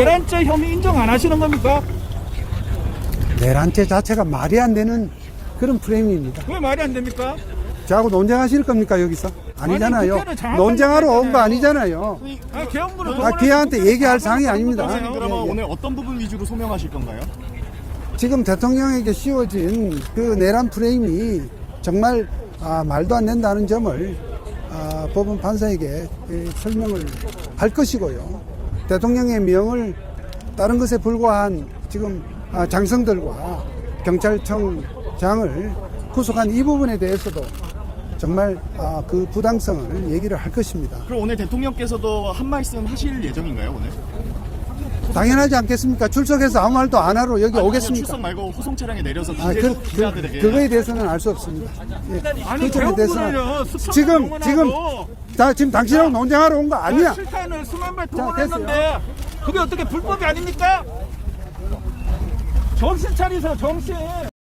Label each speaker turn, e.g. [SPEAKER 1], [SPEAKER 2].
[SPEAKER 1] 내란죄 혐의 인정 안 하시는 겁니까?
[SPEAKER 2] 내란죄 자체가 말이 안 되는 그런 프레임입니다.
[SPEAKER 1] 왜 말이 안 됩니까?
[SPEAKER 2] 저하고 논쟁하실 겁니까 여기서? 아니잖아요.
[SPEAKER 1] 국회는 정확하게
[SPEAKER 2] 논쟁하러 온 거
[SPEAKER 1] 말했잖아요.
[SPEAKER 2] 아니잖아요.
[SPEAKER 1] 아니, 개헌부를
[SPEAKER 2] 걔한테 얘기할 사항이 아닙니다.
[SPEAKER 3] 그러면 오늘 어떤 부분 위주로 소명하실 건가요?
[SPEAKER 2] 지금 대통령에게 씌워진 그 내란 프레임이 정말 말도 안 된다는 점을 법원 판사에게 설명을 할 것이고요. 대통령의 명을 다른 것에 불과한 지금 장성들과 경찰청장을 구속한 이 부분에 대해서도 정말 그 부당성을 얘기를 할 것입니다.
[SPEAKER 3] 그럼 오늘 대통령께서도 한 말씀 하실 예정인가요, 오늘?
[SPEAKER 2] 당연하지 않겠습니까? 출석해서 아무 말도 안 하러 여기 오겠습니까?
[SPEAKER 3] 출석 말고 호송 차량에 내려서 기자들에게
[SPEAKER 2] 그거에 대해서는 알 수 없습니다. 예.
[SPEAKER 1] 아니,
[SPEAKER 2] 그 점에
[SPEAKER 1] 개헌부를요.
[SPEAKER 2] 지금 당신하고 논쟁하러 온 거 아니야.
[SPEAKER 1] 실탄을 수만 발
[SPEAKER 2] 됐어요.
[SPEAKER 1] 동원했는데 그게 어떻게 불법이 아닙니까? 정신 차리세요, 정신.